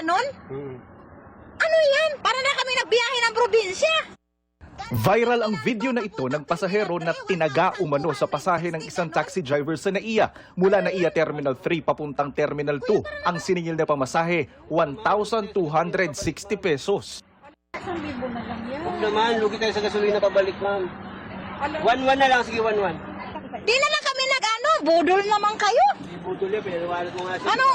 ganon? Ano yan? Para na kami nagbiyahe ng probinsya. Viral ang video na ito ng pasahero na tinaga umano sa pasahe ng isang taxi driver sa NAIA. Mula NAIA Terminal 3 papuntang Terminal 2, ang siningil na pamasahe, 1,260 pesos. Huwag naman, lugi tayo sa gasolina pabalik, ma'am. 1-1 na lang, sige 1-1. Di na lang kami budol naman kayo. Hindi budol yan, pero wallet mo nga siya. Ano?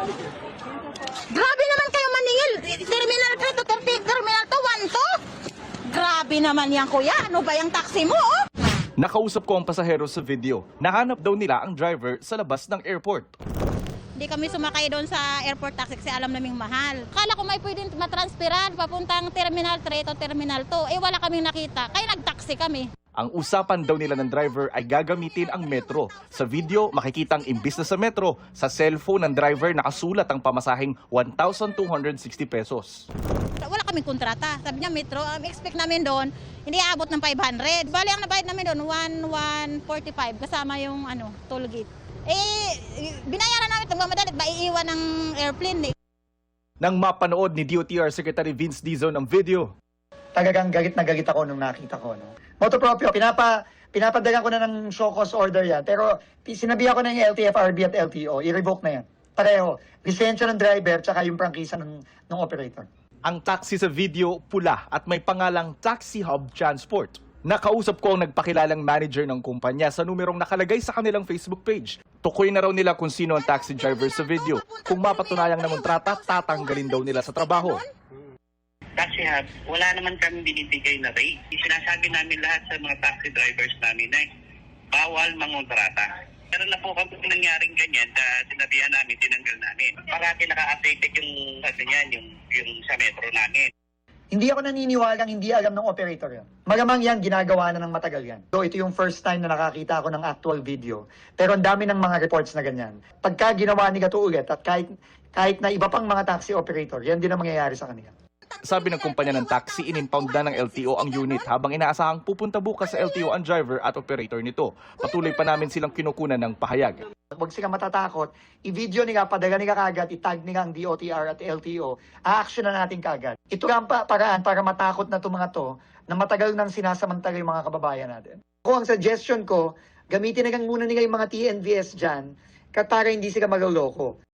Grabe naman kayo maningil. Terminal 3 to Terminal 2, 1 to. Grabe naman yan, kuya. Ano ba yung taxi mo, oh? Nakausap ko ang pasahero sa video. Nahanap daw nila ang driver sa labas ng airport. Hindi kami sumakay doon sa airport taxi kasi alam naming mahal. Kala ko may pwedeng matransferan papuntang Terminal 3 o Terminal 2. Wala kaming nakita. Kaya nagtaxi kami. Ang usapan daw nila ng driver ay gagamitin ang metro. Sa video, makikitang imbis na sa metro, sa cellphone ng driver nakasulat ang pamasaheng 1,260 pesos. Wala kaming kontrata. Sabi niya metro, expect namin doon, hindi aabot ng 500. Bali ang nabayad namin doon, 1,145 kasama yung toll gate. Binayaran namin itong mamadalit, maiiwan ng airplane. Nang mapanood ni DOTR Secretary Vince Dizon ang video, talagang galit na galit ako nung nakita ko. No? Motopropyo, pinapadagan ko na ng show cause order yan. Pero sinabihan ko na yung LTFRB at LTO, i-revoke na yan. Pareho, lisensya ng driver tsaka yung prangkisa ng operator. ang taxi sa video pula at may pangalang Taxi Hub Transport. Nakausap ko ang nagpakilalang manager ng kumpanya sa numerong nakalagay sa kanilang Facebook page. Tukoy na raw nila kung sino ang taxi driver sa video. Kung mapatunayang namontrata, tatanggalin daw nila sa trabaho. Taxi Hub, wala naman kami binibigay na rate. Sinasabi namin lahat sa mga taxi drivers namin na bawal mangontrata. Meron na po kami nangyaring ganyan na sinabihan namin, tinanggal namin. Parati naka-updated yung sa metro namin. Hindi ako naniniwalang hindi alam ng operator yan. Malamang yan, ginagawa na ng matagal yan. So ito yung first time na nakakita ako ng actual video. Pero ang dami ng mga reports na ganyan. Pagka ginawa ni Gato ulit at kahit na iba pang mga taxi operator, yan din ang mangyayari sa kanila. Sabi ng kumpanya ng taxi, inimpound na ng LTO ang unit habang inaasahang pupunta bukas sa LTO ang driver at operator nito. Patuloy pa namin silang kinukunan ng pahayag. Huwag silang matatakot, i-video nila, padala nila kagad, itag nila ang DOTR at LTO, a-action na natin kagad. Ito ang paraan para matakot na itong mga to na matagal nang sinasamantala yung mga kababayan natin. Ako, ang suggestion ko, gamitin na lang muna nila yung mga TNVS dyan para hindi sila maloloko.